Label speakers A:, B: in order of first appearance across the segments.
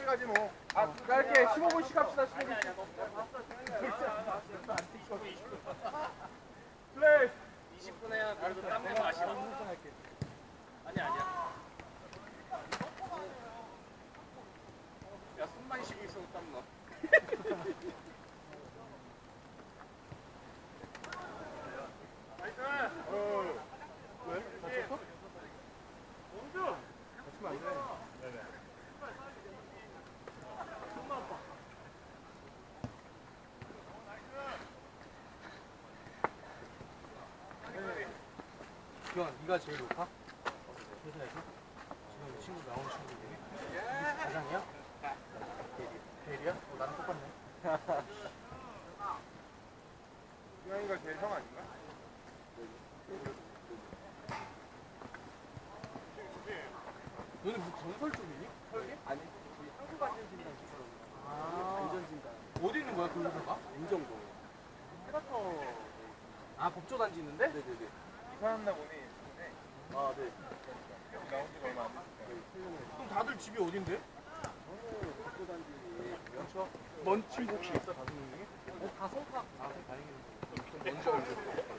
A: 편하게 가지 뭐.
B: 짧게 15분씩 합시다. 15분씩. 플레이.
C: 20분 해야 그래도 땀 내고 마시라. 아니야. 야, 숨만 쉬고 있어도 땀 나.
B: 왜? 다쳤어? 다치면 안 돼. 기왕 네가 제일 높아? 회사에서? 지금 친구 나온 친구 중에? 이게 가장이야? 대리야? 나랑 똑같네.
A: 유영이가 제일 형 아닌가?
B: 너는 뭐 건설 쪽이니? 설계?
C: 아니, 저희 한국안전진단 기사로.
B: 아.
C: 안전진단.
B: 어디 있는 거야 그 회사가?
C: 인정도. 헤바터.
B: 아 법조단지 있는데?
C: 네네네.
A: 이사 왔나 보네.
C: 아, 네.
A: 여기 나온 지가 얼마 안 됐어.
B: 그럼 다들 집이 어딘데?
C: 저는 법조단지.
B: 그렇죠. 먼 친구 혹시 있어? 다섯 명 중에?
C: 다 성탁.
B: 아 다행이네. 뭔지 알죠?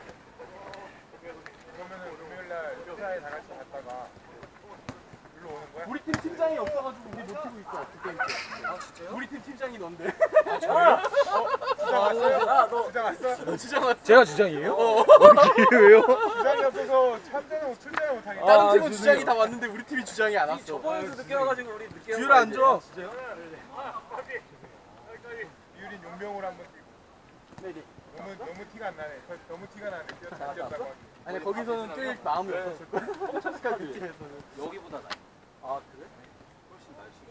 A: 그러면은 금요일날 회사에 다 같이 갔다가 일로 오는 거야?
B: 우리 팀 팀장이 없어가지고 우리 못 뛰고 있어. 그 게임 때.
C: 아, 진짜요?
B: 우리 팀 팀장이 넌데.
A: 주장 왔어요?
C: 아, 너.
A: 주장 왔어?
B: 주장 왔어.
D: 제가 주장이에요? 왜요?
A: 주장이 없어서 참전을 출전을 못하겠다.
B: 다른
D: 아,
B: 팀은
D: 죄송해요.
B: 주장이 다 왔는데 우리 팀이 주장이 안 왔어.
C: 저번에도 늦게 와가지고 우리 늦게
B: 듀라 안 줘.
A: 유린 용병으로 한번 뛰고.
C: 네네.
A: 너무 티가 안 나네. 너무 티가 나네. 잘 뛰었다고 하기.
B: 아니 거기서는 뛸 마음이 없었을 거야. 뽕차스카 그 팀에서는.
C: 여기보다 나아. 아, 그래? 훨씬 날씨가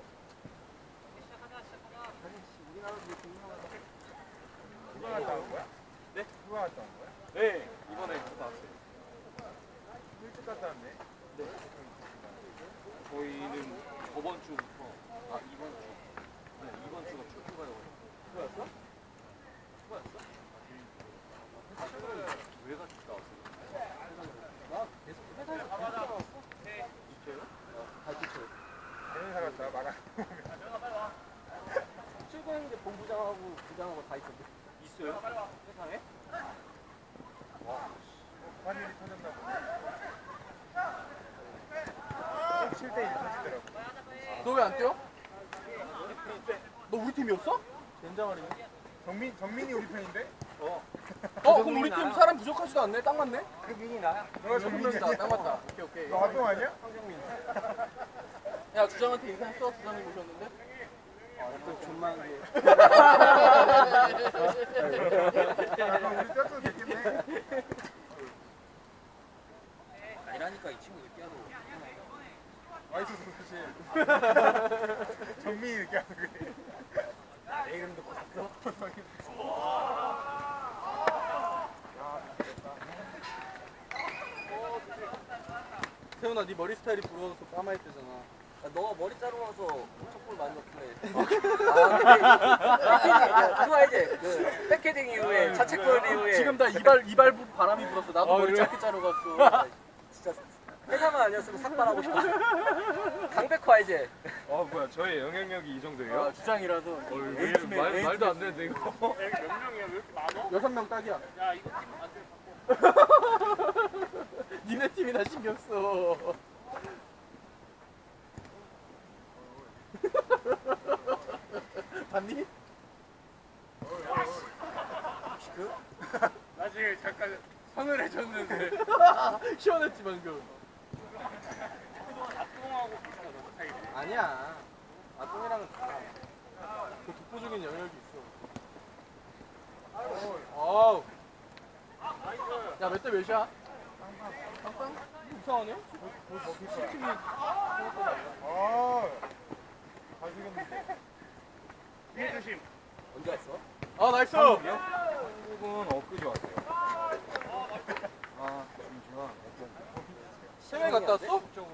A: 누가 갔다 온 거야?
C: 네?
A: 누가 갔다 온 거야?
C: 네, 이번에 갔다 왔어요.
A: 일찍 갔다 왔네.
C: 네. 저희는 저번 주부터, 이번 주. 네, 이번 주가 출근가요.
B: 뭐였어?
C: 왜 갔다 왔어요?
B: 나 계속 회사에서 다 왔어.
C: 있어요?
B: 다 지쳐요.
A: 회사 갔다 말아.
C: 출근했는데 본부장하고 부장하고 다 있던데. 있어요? 세상에?
A: 환율이 터졌나 보네. 7대1 터지더라고.
B: 너 왜 안 뛰어? 너 우리 팀이었어?
C: 된장아리.
A: 정민이 우리 편인데?
B: 그럼 우리 팀 사람 부족하지도 않네. 딱 맞네.
C: 그 민이 나야?
A: 너가 정민이
B: 다
A: 아니야?
B: 딱 맞다. 오케이.
A: 너 활동 아니야?
C: 황정민.
B: 야 주장한테 인사했어? 주장님 오셨는데?
C: 또 존만 게.
A: 우리 뛰어도 되겠네.
C: 이라니까 이 친구 늦게 하고.
A: 와이스 사실. 정민이 이렇게 하는 거야.
C: 내 이름 듣고 샀어?
B: 태훈아 네 머리 스타일이 부러워서 까마했대잖아.
C: 너 머리 자르고 나서 촛불 많이 넣길래. 그거 알지? 그 백헤딩 이후에 자책골 이후에
B: 지금 다 이발 바람이 불었어. 나도 머리 짧게 자르고 갔어.
C: 진짜 회사만 아니었으면 삭발하고 싶어. 강백호 알지?
D: 뭐야 저의 영향력이 이 정도예요?
B: 주장이라서.
D: 말도 안 되는데 이거.
C: 몇 명이야? 왜 이렇게 많어?
B: 6명 딱이야.
C: 야, 이거 팀 만들
B: 니네 팀이나 신경 써. 봤니?
C: 나 지금 잠깐
B: 선을 해줬는데 시원했지 방금.
C: 악동하고 비슷하다.
B: 아니야. 아똥이랑은 달라. 그 독보적인 영역이 있어. 어우. 야, 몇 대 몇이야? 빵빵? 이상하네? 팀이
A: 잘생겼는데.
C: 뒤에 조심. 언제 왔어?
B: 아, 나이스!
D: 한국은 엊그제 왔어요. 아 잠시만.
B: 세명 갔다 왔어?
D: 적으로